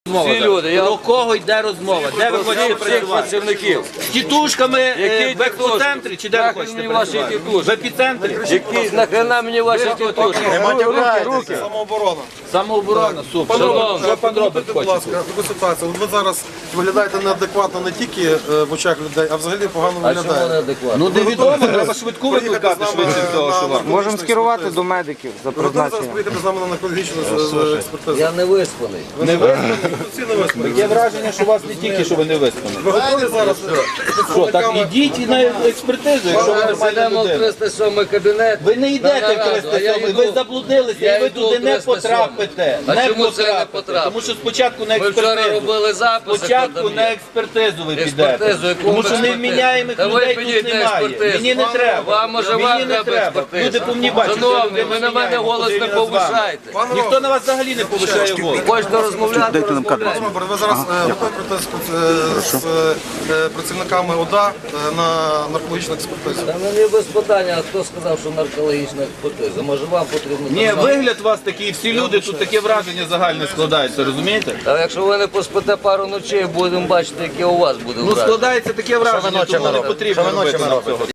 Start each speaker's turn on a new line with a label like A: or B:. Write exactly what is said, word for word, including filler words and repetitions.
A: Всі люди, я
B: Про кого йде розмова? Де ви хочете
A: всіх
B: працювати?
A: працівників.
B: З тітушками е,
A: Які
B: в експоцентрі чи де ви
A: Нахрен
B: хочете
A: мені ваші
B: працювати?
A: тітушки?
B: В епіцентрі?
A: Які нахрена мені ваші тітушки?
C: Руки. Самооборона.
B: Самооборона, супер.
A: Шановні,
B: Що пан робить
C: Будь
B: хоче?
C: ласка, таку ситуацію. От ви зараз виглядаєте неадекватно не тільки е, в очах людей, а взагалі погано
A: А чому
C: виглядаєте.
A: неадекватно?
B: Ну невідомо, треба швидку викликати швидше всього, що вам.
D: Можемо скерувати до медиків за
C: Ви готові зараз
D: призначенням.
C: приїхати з нами на наркологічну е, експертизу?
A: Я не виспаний.
B: Не виспані?
C: Всі не виспані.
B: Є враження, що у вас не тільки, що ви не виспані.
C: Ви готові зараз?
B: Що, так ідіть і на експертизу, якщо ви
A: Зараз
B: нормальна
A: йдемо в
B: людина.
A: триста сьомий кабінет.
B: Ви не йдете в
A: нараду, а я
B: триста сьомий,
A: йду.
B: ви заблудилися
A: Я
B: і ви
A: йду
B: туди
A: в
B: не
A: триста сьомий.
B: потрапите.
A: А
B: Не
A: чому це я не
B: потрапите.
A: потраплю?
B: Тому що спочатку на
A: Ми вчора
B: експертизу.
A: робили записи,
B: Спочатку
A: хто там
B: на
A: є.
B: експертизу ви
A: Експертизу,
B: підете.
A: яку
B: Тому
A: ми
B: що
A: експертизу?
B: невміняємих
A: Та ви
B: людей
A: підіть
B: тут
A: на
B: немає.
A: експертизу.
B: Мені не треба.
A: Вам, може,
B: Мені
A: вам
B: не
A: треба
B: треба.
A: експертизу.
B: Люди повинні бачити.
A: Шановні,
B: що
A: ви на мене голос не
B: людина з вами.
A: повишайте.
B: Ніхто на вас взагалі не повишає голос.
A: Хочете розмовляти, розмовляйте.
C: Добре, ви зараз е, готові прийти з, е, з е, працівниками ОДА е, на наркологічну експертизу?
A: Та мені без питання, а хто сказав, що наркологічна експертиза? Може вам потрібно?
B: Ні,
A: там-
B: вигляд у вас такий, всі люди, тут таке враження загальне складається, розумієте?
A: Та якщо ви не поспите пару ночей, будемо бачити, яке у вас буде
B: Ну
A: враження.
B: складається таке враження, тому не потрібно робити нам цього.